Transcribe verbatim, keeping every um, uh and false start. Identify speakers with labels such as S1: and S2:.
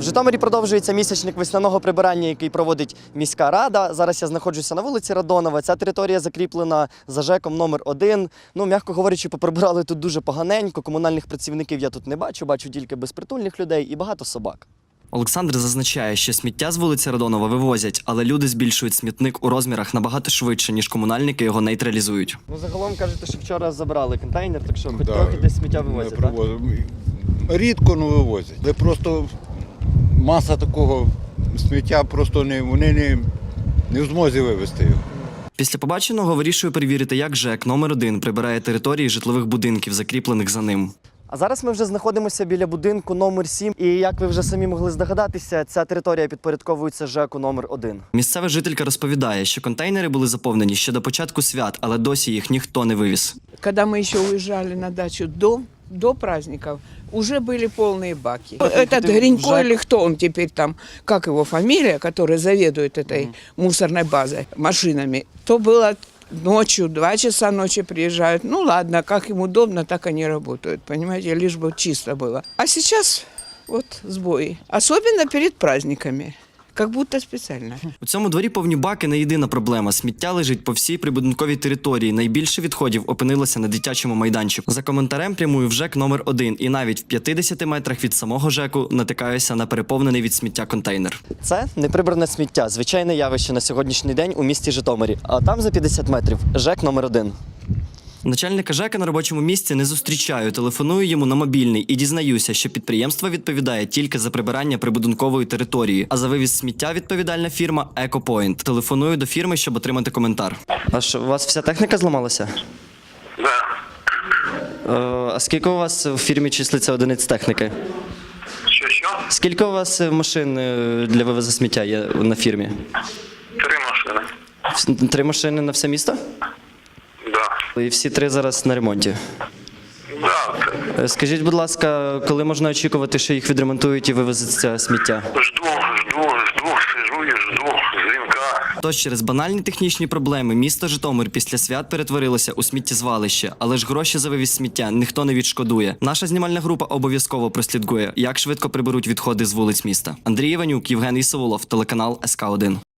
S1: В Житомирі продовжується місячник весняного прибирання, який проводить міська рада. Зараз я знаходжуся на вулиці Радонова. Ця територія закріплена за ЖЕКом номер один. Ну, м'яко говорячи, поприбирали тут дуже поганенько. Комунальних працівників я тут не бачу, бачу тільки безпритульних людей і багато собак.
S2: Олександр зазначає, що сміття з вулиці Радонова вивозять, але люди збільшують смітник у розмірах набагато швидше, ніж комунальники його нейтралізують.
S1: Ну, загалом кажете, що вчора забрали контейнер, так що хоч
S3: Да,
S1: трохи десь сміття вивозять, так?
S3: Рідко, ну, вивозять. Але просто маса такого сміття, просто не, вони не, не в змозі вивезти його.
S2: Після побаченого вирішує перевірити, як ЖЕК номер один прибирає території житлових будинків, закріплених за ним.
S1: А зараз ми вже знаходимося біля будинку номер сім. І як ви вже самі могли здогадатися, ця територія підпорядковується ЖЕКу номер один.
S2: Місцева жителька розповідає, що контейнери були заповнені ще до початку свят, але досі їх ніхто не вивіз.
S4: Когда мы еще уезжали на дачу до, до праздников, уже были полные баки. Этот Гринько или кто он теперь там, как его фамилия, который заведует этой мусорной базой, машинами, то было ночью, два часа ночи приезжают. Ну ладно, как им удобно, так они работают, понимаете, лишь бы чисто было. А сейчас вот сбои, особенно перед праздниками. Как будто спеціально.
S2: У цьому дворі повні баки не єдина проблема. Сміття лежить по всій прибудинковій території. Найбільше відходів опинилося на дитячому майданчику. За коментарем прямую в ЖЕК номер один. І навіть в п'ятдесяти метрах від самого ЖЕКу натикаюся на переповнений від сміття контейнер.
S1: Це неприбране сміття, звичайне явище на сьогоднішній день у місті Житомирі. А там за п'ятдесят метрів ЖЕК номер один.
S2: Начальника ЖЕКа на робочому місці не зустрічаю, телефоную йому на мобільний і дізнаюся, що підприємство відповідає тільки за прибирання прибудинкової території, а за вивіз сміття відповідальна фірма «Екопойнт». Телефоную до фірми, щоб отримати коментар.
S1: А що, у вас вся техніка зламалася?
S5: Да.
S1: Е, а скільки у вас в фірмі числиться одиниць техніки?
S5: Що, що?
S1: Скільки у вас машин е, для вивезу сміття є на фірмі?
S5: Три машини.
S1: Вс- Три машини на все місто?
S5: Да.
S1: І всі три зараз на ремонті.
S5: Да.
S1: Е, Скажіть, будь ласка, коли можна очікувати, що їх відремонтують і вивезуть це сміття?
S5: Жду, жду, жду, сижу і жду дзвінка.
S2: Тож через банальні технічні проблеми місто Житомир після свят перетворилося у сміттєзвалище, але ж гроші за вивіз сміття ніхто не відшкодує. Наша знімальна група обов'язково прослідкує, як швидко приберуть відходи з вулиць міста. Андрій Іванюк, Євгеній Савулов, телеканал ес ка один.